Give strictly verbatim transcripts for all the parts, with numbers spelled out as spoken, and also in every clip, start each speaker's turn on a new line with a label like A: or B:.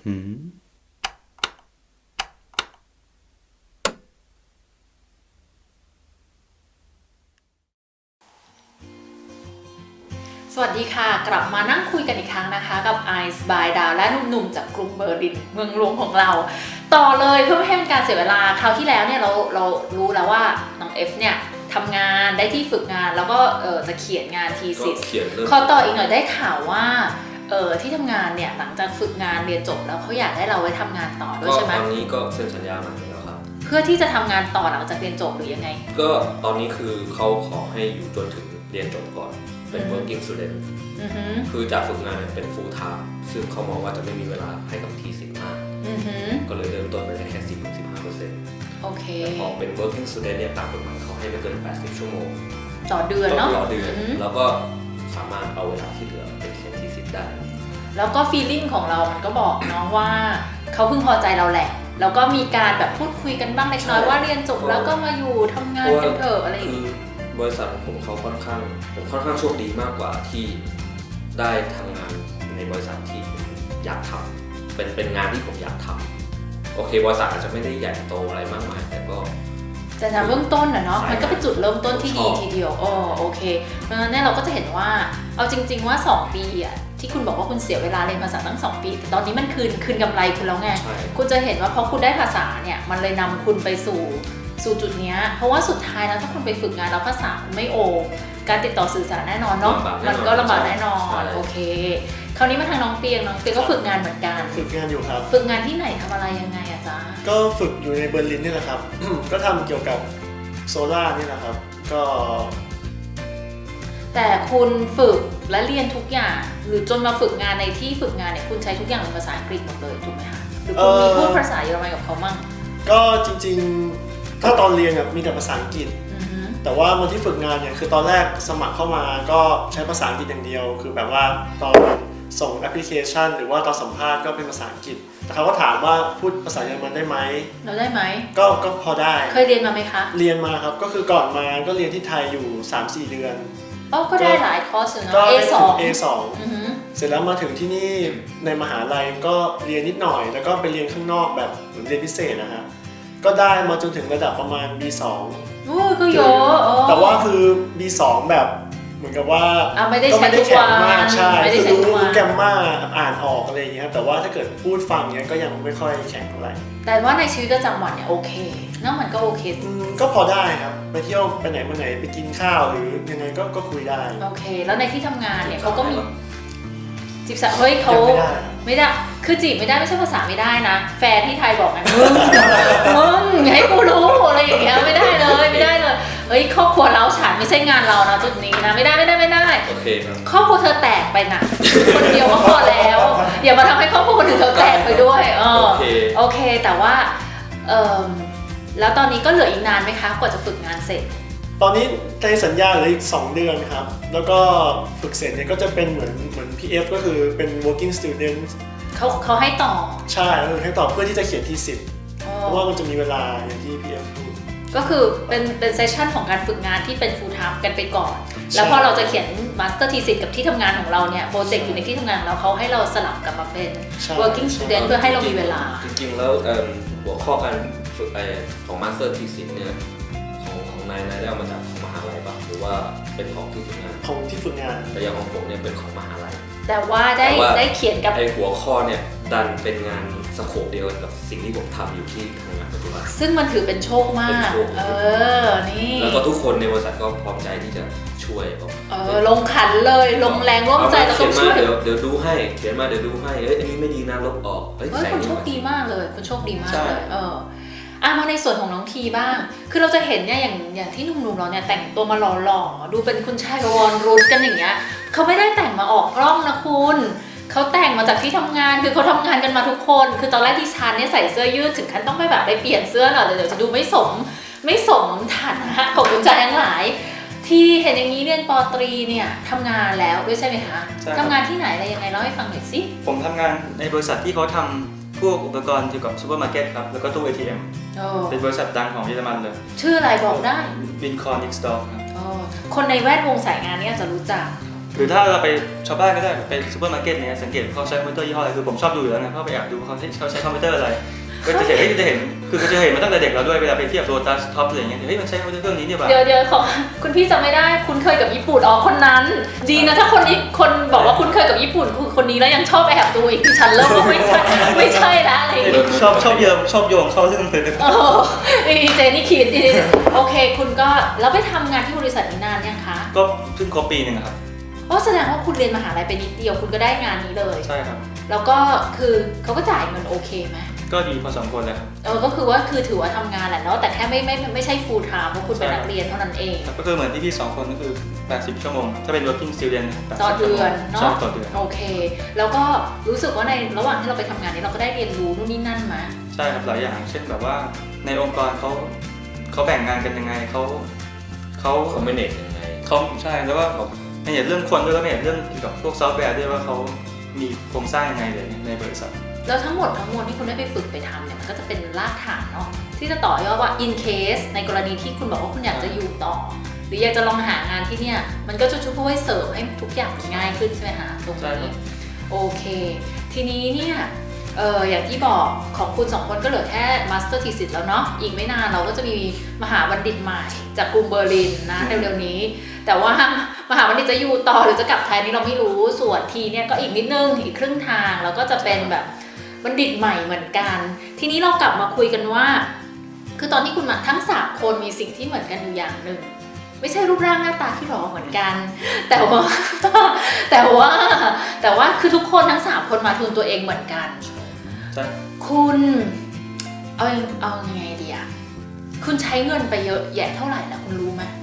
A: หืม
B: สวัสดีค่ะกลับมานั่งคุยกันอีกครั้งนะคะกับ Ice by ดาวและหนุ่มๆจากกรุงเบอร์ลินเมืองหลวงของเราต่อเลยเพื่อไม่ให้เป็นการเสียเวลาคราวที่แล้วเนี่ยเราเรารู้แล้วว่าน้องเอฟเนี่ยทำงานได้ที่ฝึกงานแล้วก็เออจะเขียนงานทีซิสขอต่ออีกหน่อยได้ข่าวว่าเออที่ทำงานเนี่ยหลังจากฝึกงานเรียนจบแล้วเขาอยากได้เราไว้ทำงานต่อด้วยใช่ไหม
A: ตอนนี้ก็เซ็นสัญญามาแล้วครับ
B: เพื่อที่จะทำงานต่อหลังจากเรียนจบหรือยังไง
A: ก็ตอนนี้คือเขาขอให้อยู่จนถึงเรียนจบก่อนเป็น working student คือจากฝึกงานเป็น full time ซึ่งเขามองว่าจะไม่มีเวลาให้กับทีสิบมากก็เลยเริ่มต้นไปได้แค่ สิบถึงสิบห้าเปอร์เซ็นต์
B: โอเค
A: แต่พอเป็น working student เนี่ยตามกฎหมายเขาให้ไม่เกินแปดสิบชั่วโมง
B: ต่อเดือนเนาะ
A: ต่อเดือนแล้วก็สามารถเอาเวลาที่เหลือไปเขียนทีสิบได้
B: แล้วก็ feeling ของเรามันก็บอกเนาะว่าเขาพึงพอใจเราแหละแล้วก็มีการแบบพูดคุยกันบ้างเล็กน้อยว่าเรียนจบแล้วก็มาอยู่ทำงานกันเถอะอะไรอย่างนี้
A: บริษัทของผมเขาค่อนข้างผมค่อนข้างโชคดีมากกว่าที่ได้ทำงานในบริษัทที่อยากทำเป็นเป็นงานที่ผมอยากทำโอเคบริษัทอาจจะไม่ได้ใหญ่โตอะไรมากมายแต่ก็
B: แต่ในเบื้องต้นนะเนาะมันก็เป็นจุดเริ่มต้นที่ดีทีเดียวอ๋อโอเคเพราะฉะนั้นเนี่ยเราก็จะเห็นว่าเอาจริงๆว่าสองปีอ่ะที่คุณบอกว่าคุณเสียเวลาเรียนภาษาตั้งสองปีแต่ตอนนี้มันคืนคืนกำไรคุณแล้วไงคุณจะเห็นว่าพอคุณได้ภาษาเนี่ยมันเลยนำคุณไปสู่สู่จุดนี้เพราะว่าสุดท้ายแล้วถ้าคุณไปฝึกงานแล้วภาษาไม่โอการติดต่อสื่อสารแน่นอนเนาะมันก็ลำบากแน่นอนโอเคคราวนี้มาทางน้องเปียงน้องเปียงก็ฝึกงานเหมือนกัน
C: ฝึกงานอยู่ครับ
B: ฝึกงานที่ไหนทำอะไรยังไงอะจ๊ะ
C: ก็ฝึกอยู่ในเบอร์ลินนี่แหละครับ ก็ทำเกี่ยวกับโซล่านี่แหละครับก็
B: แต่คุณฝึกและเรียนทุกอย่างหรือจนมาฝึกงานในที่ฝึกงานเนี่ยคุณใช้ทุกอย่างเป็นภาษาอังกฤษหมดเลยถูกไหมคะหรือคุณมีพูดภาษาเยอรมันกับเขามั่ง
C: ก็จริงๆถ้าตอนเรียนมีแต่ภาษาอังกฤษแต่ว่าวันที่ฝึกงานเนี่ยคือตอนแรกสมัครเข้ามาก็ใช้ภาษาอังกฤษอย่างเดียวคือแบบว่าตอนส่งแอปพลิเคชันหรือว่าตอนสัมภาษณ์ก็เป็นภาษาอังกฤษแต่เขาก็ถามว่าพูดภาษาเยอรมันได้ไหม
B: เราได้ไหม
C: ก็ก็พอได้
B: เคยเรียนมาไหมคะ
C: เรียนมาครับก็คือก่อนมาก็เรียนที่ไทยอยู่ สามสี่ เดือน
B: อ๋อก็ได้หลายคอร์สเนาะ
C: เอ สอง เอ สอง เสร็จแล้วมาถึงที่นี่ในมหาลัยก็เรียนนิดหน่อยแล้วก็ไปเรียนข้างนอกแบบเหมือนเรียนพิเศษนะฮะก็ได้มาจนถึงระดับประมาณ บี สอง
B: โอ้ก็เยอะ
C: แต่ว่าคือ บี สอง แบบเหมือนกับว่า
B: ก็
C: ไม่ได้แข็งมาก
B: ใ
C: ช่คือรู้แกมมาอ่านออกอะไรอย่างเงี้ยแต่ว่าถ้าเกิดพูดฟังเนี้ยก็ยังไม่ค่อยแข็งเท่าไหร่
B: แต่ว่าในชีวิตประจำวันเนี่ยโอเคนั่นมันก็โอเค
C: ก็พอได้ครับไปเที่ยวไปไหนมาไหนไปกินข้าวหรือยังไงก็ก็คุยได้
B: โอเคแล้วในที่ทำงานเนี่ยเขาก็มีจีบสาวเฮ้ยเขาไม่ได้คือจีบไม่ได้ไม่ใช่ภาษาไม่ได้นะแฟนที่ไทยบอกไงมึงมึงให้กูรู้อะไรอย่างเงี้ยไม่ได้เลยไม่ได้เลยเฮ้ยครอบครัวเราฉันไม่ใช่งานเรานะจุดนี้นะไม่ได้ไม่ได้ไม่ได้
A: โอเคครับ
B: ครอบครัวเธอแตกไปนะคนเดียวก็พอแล้วอย่ามาทำให้ครอบครัวคนอื่นเธอแตกไปด้วยเออโอเคแต่ว่าเออแล้วตอนนี้ก็เหลืออีกนานไหมคะกว่าจะฝึกงานเสร็จ
C: ตอนนี้ในสัญญาเหลืออีกสองเดือนครับแล้วก็ฝึกเสร็จเนี่ยก็จะเป็นเหมือนเหมือน พี เอฟ ก็คือเป็น working student
B: เขาเขาให้ต่อ
C: ใช่ให้ต่อเพื่อที่จะเขียนทีสิบเพราะว่ามันจะมีเวลาอย่างที่ พี เอฟ พูด
B: ก็คือเป็นเป็นเซสชั่นของการฝึกงานที่เป็น full time กันไปก่อนแล้วพอเราจะเขียน master thesis กับที่ทำงานของเราเนี่ยโปรเจกต์อยู่ในที่ทำงานแล้วเขาให้เราสลับกลับมาเป็น working student เพื่อให้เรามีเวลา
A: จริงๆแล้วหัวข้อการฝึกของ master thesis เนี่ยของของนายนายได้เอามาจากของมหาลัยป่ะหรือว่าเป็นของที่ฝึกงาน
C: ของที่ฝึกงาน
A: แต่อย่างของผมเนี่ยเป็นของมหาลัย
B: แต่ว่าได้ได้เขียนกับ
A: ไอหัวข้อเนี่ยดันเป็นงานสโคปเดียวกับสิ่งที่ผมทำอยู่ที่ทำงานปัจจุบัน
B: ซึ่งมันถือเป็นโชคมากเออนี่
A: แล้วก็ทุกคนในบริษัทก็พร้อมใจที่จะช่วย
B: เออลงขันเลยลงแรงร่วมใจแล้วก็ช่วย
A: เดี๋ยวเดี๋ยวดูให้เขียนมาเดี๋ยวดูให้เอ้ยอันนี้ไม่ดีนะลบออก
B: เฮ้ยคุณโชคดีมากเลยคุณโชคดีมากเลยเอออ่ะมาในส่วนของน้องทีบ้างคือเราจะเห็นเนี่ยอย่างอย่างที่หนุ่มๆเราเนี่ยแต่งตัวมาหล่อๆดูเป็นคุณชายกวอนรุดกันอย่างเงี้ยเขาไม่ได้แต่งมาออกกล้องนะคุณเขาแต่งมาจากที่ทำงานคือเขาทำงานกันมาทุกคนคือตอนแรกที่ชานเนี่ยใส่เสื้อยืดถึงขั้นต้องไปแบบไปเปลี่ยนเสื้อหน่อยเดี๋ยวจะดูไม่สมไม่สมฐานะของคุณชายทั้งหลายที่เห็นอย่างนี้เรียนป.ตรีเนี่ยทำงานแล้วด้วยใช่ไหมคะทำงานที่ไหนอะไรยังไงเล่าให้ฟังหน่อยสิ
D: ผมทำงานในบริษัทที่เขาทำพวกอุปกรณ์เกี่ยวกับซูเปอร์มาร์เก็ตครับแล้วก็ตู้ เอ ที เอ็ม เป็นบริษัทดังของเยอรมันเลย
B: ชื่ออะไรบอกได้
D: วินคอร์นิกสตอร์ครับ
B: คนในแวดวงสายงานนี้อาจจะรู้จัก
D: หรือถ้าเราไปชาวบ้านก็ได้ไปซูเปอร์มาร์เก็ตเนี่ยสังเกตเขาใช้คอมพิวเตอร์ยี่ห้ออะไรคือผมชอบดูอยู่แล้วนะเพราะไปแอบดูเขาใช้เขาใช้คอมพิวเตอร์อะไรก็จะเห็นเฮ้ยจะเห็นคือก็จะเห็นมาตั้งแต่เด็กเราด้วยเวลาไปเทียบโลตัสท็อปอะไรอย่างเงี้ยเฮ้ยมันใช้คอมพิวเตอร์เครื่องนี้เนี่ยป่ะ
B: เดี๋ยวเดี๋ยวขอคุณพี่จำไม่ได้คุณเคยกับญี่ปุ่นอ๋อคนนั้นดีนะถ้าคนนี้คนบอกว่าคุณเคยกับญี่ปุ่นคือคนนี้แล้วยังชอบแอบดูอีกฉันเริ่มว่าไม่ใช่ไม่ใช่ละอะไรอย่างเงี้ย
D: ชอบชอบเยิมชอบโยงเข้าเรื่องเลย
B: โอ้ดีเจนี่คิดดีโอเคคุณก็แล้วไปทำงานที่บริษัทนี้นานยังคะ
D: ก็เพิ่งครบปีหนึ่งครับ
B: อ๋อแสดงว่าคุณเรียนมหาลัยไปนิดเดียวคุณก็ได้งานนี้เลย
D: ใช่ครับ
B: แล้วก็คือเขาก็จ่ายเงินโอเคไหม
D: ก็ดีพอสมควรเลยครับ
B: เออก็คือว่าคือถือว่าทำงานแหละเนาะแต่แค่ไม่ไม่ไม่ใช่ full time เพราะคุณเป็นนักเรียนเท่านั้นเอง
D: ก็คือเหมือนที่พี่สองคนก็คือแปดสิบชั่วโมงถ้าเป็น working student แปดสิบ
B: ต่อเดือน
D: ชั่วโมง
B: เนาะ
D: ต่อเดือน
B: โอเค แล้วก็รู้สึกว่าในระหว่างที่เราไปทำงานนี้เราก็ได้เรียนรู้นู่นนี่นั่นมา
D: ใช่ครับหลายอย่างเช่นแบบว่าในองค์กรเขาเขาแบ่งงานกันยังไงเขาเขา
A: เขาไม่เน็ตยังไง
D: เขาใช่แล้วก็ไม่เห็นเรื่องคนด้วยแล้วไม่เห็นเรื่องเกี่ยวกับพวกซอฟต์แวร์ด้วยว่าเขามีโครงสร้างยังไงเลยในบริษัท
B: แล้วทั้งหมดทั้งมวลที่คุณได้ไปฝึกไปทำเนี่ยมันก็จะเป็นรากฐานเนาะที่จะต่อยอดว่า in case ในกรณีที่คุณบอกว่าคุณอยากจะอยู่ต่อ หรืออยากจะลองหางานที่เนี่ยมันก็จะช่วยเสริมให้ทุกอย่างมันง่ายขึ้นใช่ไหมคะตรงนี้โอเคทีนี้เนี่ยเอออย่างที่บอกของคุณสองคนก็เหลือแค่ master thesis แล้วเนาะอีกไม่นานเราก็จะมีมหาบัณฑิตใหม่จากกรุงเบอร์ลินนะเร็วๆนี้แต่ว่ามหาบัณฑิตจะอยู่ต่อหรือจะกลับไทยนี่เราไม่รู้ส่วนทีเนี่ยก็อีกนิดนึงอีกครึ่งทางแล้วก็จะเป็นแบบบัณฑิตใหม่เหมือนกันทีนี้เรากลับมาคุยกันว่าคือตอนที่คุณมาทั้งสามคนมีสิ่งที่เหมือนกันอยู่อย่างหนึ่งไม่ใช่รูปร่างหน้าตาที่หล่อเหมือนกันแต่ว่าแต่ว่าแต่ว่าคือทุกคนทั้งสามคนมาทุนตัวเองเหมือนกันคุณเอาเอายังไงดีอะคุณใช้เงินไปเยอะแยะเท่าไหร่นะคุณรู้ไหม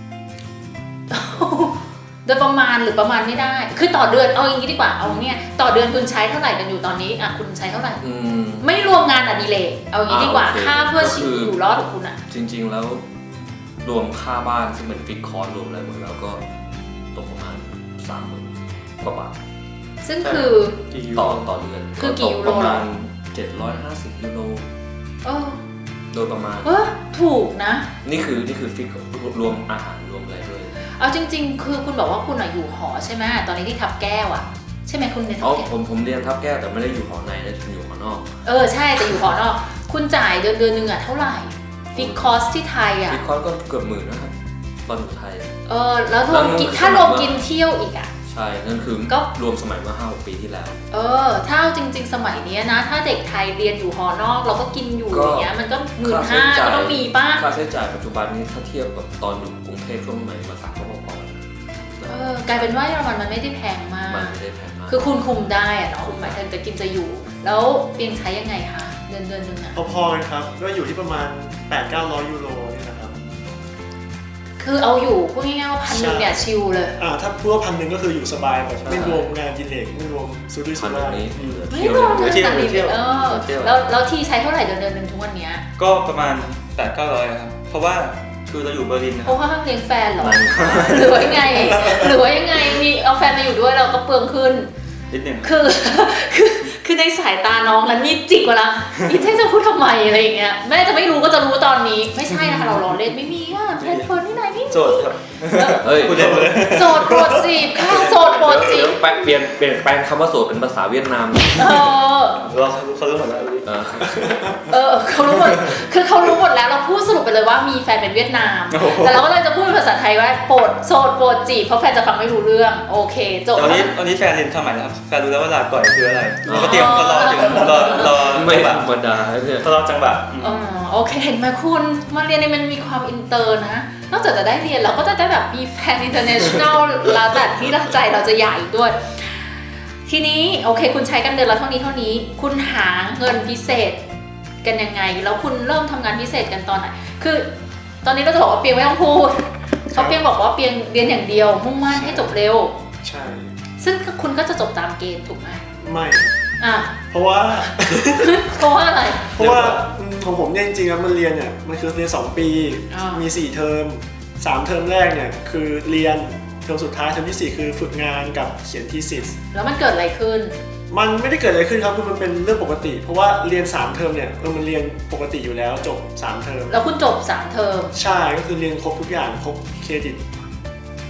B: โดยประมาณหรือประมาณไม่ได้คือต่อเดือนเอาอย่างนี้ดีกว่าเอาเนี่ยต่อเดือนคุณใช้เท่าไหร่กันอยู่ตอนนี้อ่ะคุณใช้เท่าไหร่ไม่รวมงานอดิเรกเอาอย่างนี้ดีกว่าค่าเพื่อชีวิตอยู่รอดของคุณอะ
A: จริงๆแล้วรวมค่าบ้านซึ่งเป็นฟิกคอร์สรวมอะไรหมดแล้วก็ตกประมาณสามหมื่นกว่าบาท
B: ซึ่งคือ
A: ต่อต่อเดือน
B: คือกี่ยูโร
A: ประมาณเจ็ดร้อยห้าสิบยูโร
B: เออ
A: โดยประมาณ
B: เออถูกนะ
A: นี่คือนี่คือฟิกรวมอาหารรวมอะไรด้วย
B: เอาจริงๆคือคุณบอกว่าคุณอยู่หอใช่ไหมตอนนี้ที่ทับแก้วอะใช่ไหมคุณเรียนทับแก้ว
A: ผมผมเรียนทับแก้วแต่ไม่ได้อยู่หอในนะอยู่หอนอก
B: เออใช่แต่อยู่หอนอกคุณจ่ายเดือนเดือนนึงอะเท่าไหร่ฟิกคอสที่ไทยอะ
A: ฟิกคอสก็เกือบหมื่นนะครับตอนอยู่ไทย
B: เออแล้วรวมกินถ้ารวมกินเที่ยวอีกอะ
A: ใช่นั่นคือก็รวมสมัยเมื่อห้าหกปีที่แล้ว
B: เออถ้าจริงๆสมัยนี้นะถ้าเด็กไทยเรียนอยู่หอนอกเราก็กินอยู่อย่างเงี้ยมันก็หมื่นห้าก็ต้องมีป้า
A: ค่าใช้จ่ายปัจจุบันนี้ถ้าเทียบกับตอนอยู่กรุงเทพช่วงใหม่มาสักก็พอๆ
B: เออกลายเป็นว่าเยอรมันมันไม่ได้แพงมาก
A: มันไม่ได้แพงมาก
B: คือคุณคุมได้อะเนาะหมายถึงจะกินจะอยู่แล้วเปียงใช้ยังไงคะเดือนเดือนนึงอะ
C: พอๆกันครับก็อยู่ที่ประมาณ แปดถึงเก้าร้อย ยูโรนี่นะครับ
B: คือเอาอยู่พูดง่ายๆว่าพันหนึ่งเนี่ยชิลเลย
C: อ่าถ้าพูดว่าพันหนึ่งก็คืออยู่สบายแบบไม่รวมงานกินเหล็กไม่รวมซูดิสุร่าย
B: ไม่รวมเที่ยวเที่ยวเออแล้วแล้วที่ใช้เท่าไหร่เดือนเดือนนึงทุกวันนี้
D: ก็ประมาณ แปดถึงเก้าร้อย ครับเพราะว่าคือเราอยู่เบอร์ลินนะ
B: เพราะว่าเลี้ยงแฟนหรอหรือว่ายังไงหรือว่ายังไงมีเอาแฟนมาอยู่ด้วยเราก็เปลืองขึ้น
D: นิดนึง
B: คือคือคือในสายตาน้องนั้นนี่จิกกว่าละอีเจ๊จะพูดทำไมอะไรอย่างเงี้ยแม่จะไม่รู้ก็จะรู้ตอนนี้ไม่ใช่นะคะเราล้อเล่นไม่มีอ่ะแพลตฟอร์มที่ไหนไม่มี
D: โสดครับ
A: เฮ้ย
B: โสดโปรดจีบค่ะโสดโปรดจีบ
A: เปลี่ยนเปลี่ยนแปลงคำว่าโสดเป็นภาษาเวียดนาม
B: เออ
D: เราเขารู้หมดแล้ว
B: เออเขารู้หมดคือเขารู้หมดแล้วเราพูดสรุปไปเลยว่ามีแฟนเป็นเวียดนามแต่เราก็เลยจะพูดเป็นภาษาไทยว่าโปรดโสดโปรดจีบเพราะแฟนจะฟังไม่รู้เรื่องโอเคจบ
D: ตอนนี้ตอนนี้แฟนเรียนทำไมนะครับแฟนรู้แล้วว่าลาก่อยคืออะไรเราก็เตรียมก็รอถึงรอรอ
A: ไม่ธรรมดาเนี่ย
D: รอจังหวะ
B: อ๋อโอเคเห็นไหมคุณมาเรียนนี่มันมีความอินเตอร์นะนอกจากจะได้เรียนเราก็จะได้แบบมีแฟนอินเตอร์เนชั่นแนลแล้วแต่ที่ใจเราจะใหญ่ด้วยทีนี้โอเคคุณใช้กันเดือนละเท่านี้เท่านี้คุณหาเงินพิเศษกันยังไงแล้วคุณเริ่มทำงานพิเศษกันตอนไหนคือตอนนี้เราจะบอกว่าเปียงไม่ต้องพูดเขาเปียงบอกว่าเปียงเรียนอย่างเดียวมุ่งมั่นให้จบเร็ว
C: ใช่
B: ซึ่งคุณก็จะจบตามเกณฑ์ถูกไหม
C: ไม่
B: อ่ะ
C: เพราะว่า
B: เพราะว่าอะไร
C: เพราะว่าของผมเนี่ยจริงๆแล้วมันเรียนเนี่ยมันคือเรียนสองปีมีสี่เทอมสามเทอมแรกเนี่ยคือเรียนเทอมสุดท้ายเทอมที่สี่คือฝึกงานกับเขียนทีซิส
B: แล้วมันเกิดอะไรขึ้น
C: มันไม่ได้เกิดอะไรขึ้นครับคือมันเป็นเรื่องปกติเพราะว่าเรียนสามเทอมเนี่ยเออมันเรียนปกติอยู่แล้วจบสามเทอม
B: แล้วคุณจบสามเทอม
C: ใช่ก็คือเรียนครบทุกอย่างครบเครดิต
B: ท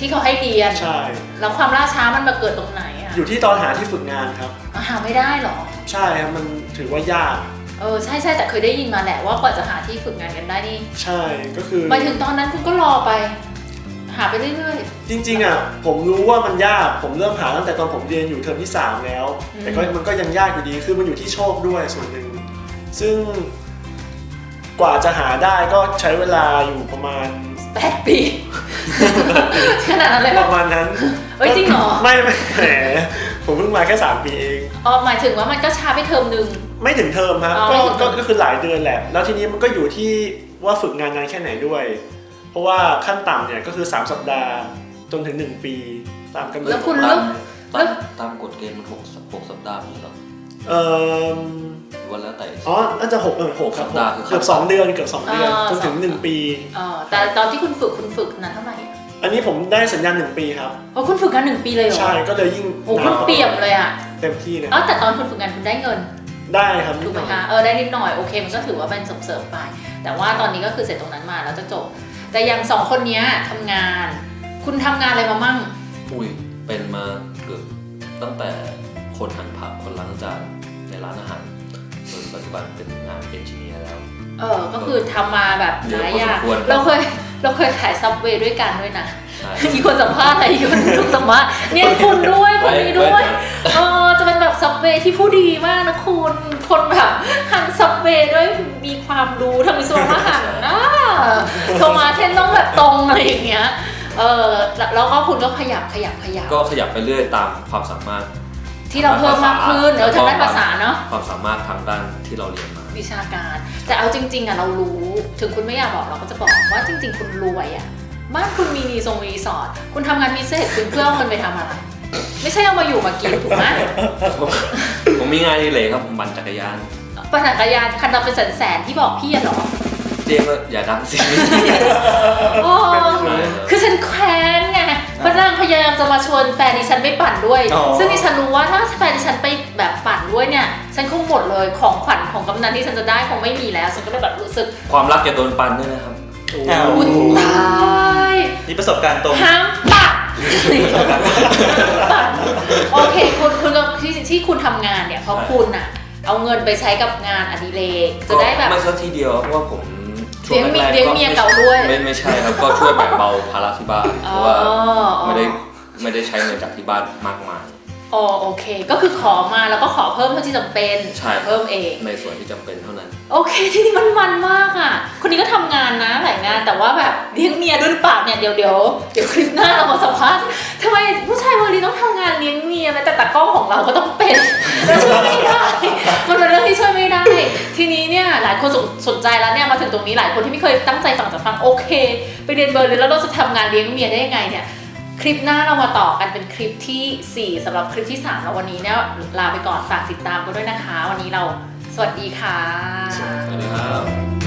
B: ที่เขาให้เรียน
C: ใช่
B: แล้วความล่าช้ามันมาเกิดตรงไหนอ่ะ
C: อยู่ที่ตอนหาที่ฝึกงานครับ
B: หาไม่ได้หรอ
C: ใช่ครับมันถือว่ายาก
B: เออใช่ใช่แต่เคยได้ยินมาแหละว่ากว่าจะหาที่ฝึกงานกันได้นี่
C: ใช่ก็คือ
B: หมายถึงตอนนั้นคุณก็รอไป หาไปเรื่อย
C: จริงๆอ่ะผมรู้ว่ามันยากผมเริ่มหาตั้งแต่ตอนผมเรียนอยู่เทอมที่สามแล้ว
B: อืม
C: แต่ก็มันก็ยังยากอยู่ดีคือมันอยู่ที่โชคด้วยส่วนหนึ่งซึ่งกว่าจะหาได้ก็ใช้เวลาอยู่ประมาณ
B: ๆแปดปี ขนาดนั้นเลย
C: ป
B: เหรอ
C: ระมาณนั้น
B: เฮ้ยจริงเหรอ
C: ไม่ไม่แหมผมเพิ่งมาแค่สามปีเอง
B: อ๋อหมายถึงว่ามันก็ช้าไปเทอมหนึ่ง
C: ไม่ถึงเทอมครับ
B: อ๋อ
C: ก็
B: ไม่ถึงเท
C: ก็
B: อม
C: ก็คือหลายเดือนแหละแล้วทีนี้มันก็อยู่ที่ว่าฝึกงานนานแค่ไหนด้วย เพราะว่าขั้นต่ำเนี่ยก็คือสามสัปดาห์จนถึงหนึ่งปีตามกำหนด
B: แล้วคุณ
A: ตา
B: เลือ
A: ม
B: ก
A: ตามตามกฎเกณฑ์มันหกหกสัปดาห์ไม่ใช่เหรอ
C: เออ
A: หรือว่าแล้วแต่
C: อ๋อน่าจะหกเออหกครับ
A: สัปดาห์คือ
C: เกือบสองเดือนเกือบสองเดือน
B: อ่า
C: จนถึงหนึ่งปี
B: เออแต่ตอนที่คุณฝึกคุณฝึกนานเท่าไหร่อะ
C: อันนี้ผมได้สัญญาณหนึ่งปีครับ
B: อ๋อคุณฝึกงานหนึ่งปีเลยเหรอ
C: ใช่ก็เลยยิ่ง
B: โอ้คุณเปี่ยมเลยอ่ะ
C: เต็มที่เลย
B: อ๋อแต่ตอนคุณฝึกงานคุณได้เงิน
C: ได้ครับ
B: ถูกไหมคะ เออได้นิดหน่อยโอเคมันก็ถือว่าเป็นส่งเสริมไป แต่ว่าตอนนี้ก็คือเสร็จตรงนั้นมาแล้วจะจบ แต่อย่างสองคนเนี้ยทำงาน คุณทำงานอะไรมามั่ง
A: อุ้ยเป็นมาเกือบตั้งแต่คนหั่นผักคนล้างจานในร้านอาหารจนปัจจุบันเป็นงานเอนจิเนียร์แล้ว
B: เออก็คือทำมาแบบหลายอย่าง
A: เยอะพอสมควร
B: เราเคยเราเคยขายซับเวย์ด้วยกันด้วยนะ
A: ใช่
B: อีกคนสัมภาษณ์อะไรอีกคนถูกสัมภาษณ์เนี่ยคุณด้วยคนนี้ด้วย เออจะเป็นแบบซับเวย์ที่ผู้ดีมากนะคุณ คนแบบหันซับเวย์ด้วยมีความรู้ทำวิศวะหันนะโทรมาเทนต้องแบบตรงอะไรอย่างเงี้ย เออแล้วก็คุณก็ขยับขยับขยับ
A: ก็ขยับไปเรื่อยตามความสามารถ
B: ที่เราเพิ่มมากขึ้นเออทางด้านภาษาเนาะ
A: ความสามารถทางด้านที่เราเรียนมา
B: วิชาการ แต่เอาจริงๆอ่ะเรารู้ถึงคุณไม่อยากบอกเราก็จะบอกว่าจริง ๆ คุณรวยอ่ะบ้านคุณมีรีสอร์ทรีสอร์ทคุณทำงานพิเศษคุณเพื่อเอาเงินไปทำอะไร ไม่ใช่เอามาอยู่มากินถูกไหม
A: ผมผมมีงานอดิเรกครับผมปั่นจักรยาน
B: ปั่นจักรยานคันเราเป็นแสนๆที่บอกพี่อะเหรอ
A: เจมส์อย่าดังสิ
B: โอ้คือฉันแค้นไงพระนางพยายามจะมาชวนแฟนดิฉันไปปั่นด้วย
C: อ๋อ
B: ซึ่งดิฉันรู้ว่าถ้าแฟนดิฉันไปแบบปั่นด้วยเนี่ย ฉันคงหมดเลยของขวัญของกำนันที่ฉันจะได้คงไม่มีแล้ว ฉันก็เลยแบบรู้สึก
A: ความรักอย่าโดนปั่นด้วยนะครับ
D: อ้าว
B: อุ้ยตาย
D: นี่ประสบการณ์ตรง
B: ห้ามปั่นปั่นโอเคคุณคุณก็ที่ที่คุณทำงานเนี่ยเพราะคุณอะเอาเงินไปใช้กับงานอดิเรกจะได้แบบ
A: ไม่สักทีเดียวเพราะว่าผมช่วง
B: เลี้ยง
A: แรกๆ
B: เลี้ยงเมียเก่าด้วย
A: ไม่ไม่ใช่ครับก็ช่วยแบ่งเบาภาระที่บ้านเพราะว่า
B: อ๋อ
A: ไม่ได้ไม่ได้ใช้เงินจากที่บ้านมากมาย
B: อ๋อโอเค ก็คือขอมาแล้วก็ขอเพิ่มเท่าที่จำเป็น
A: ใช่
B: เพิ่มเอง
A: ในส่วนที่จำเป็นเท่านั้น
B: โอเคที่นี่มันมันมากอ่ะ คนนี้ก็ทำงานนะหลายงานแต่ว่าแบบเลี้ยงเมียด้วยหรือเปล่าเนี่ยเดี๋ยวเดี๋ยวเดี๋ยวคลิปหน้าเรามาสัมภาษณ์ทำไมผู้ชายวันนี้ต้องทำงานเลี้ยงเมียแม้แต่ตากล้องของเราก็ต้องเป็นเราช่วยไม่ได้มันเป็นเรื่องที่ช่วยไม่ได้ ทีนี้เนี่ยหลายคนสนสนใจแล้วเนี่ยมาถึงตรงนี้หลายคนที่ไม่เคยตั้งใจฟังจะฟังโอเค ไปเรียนเบอร์ลินแล้วเราจะทำงานเลี้ยงเมียได้ยังไงเนี่ยคลิปหน้าเรามาต่อกันเป็นคลิปที่สี่สำหรับคลิปที่สามแล้ววันนี้เนี่ยลาไปก่อนฝากติดตามกันด้วยนะคะ วันนี้เราสวัสดีค่ะ
A: สวัสดีครับ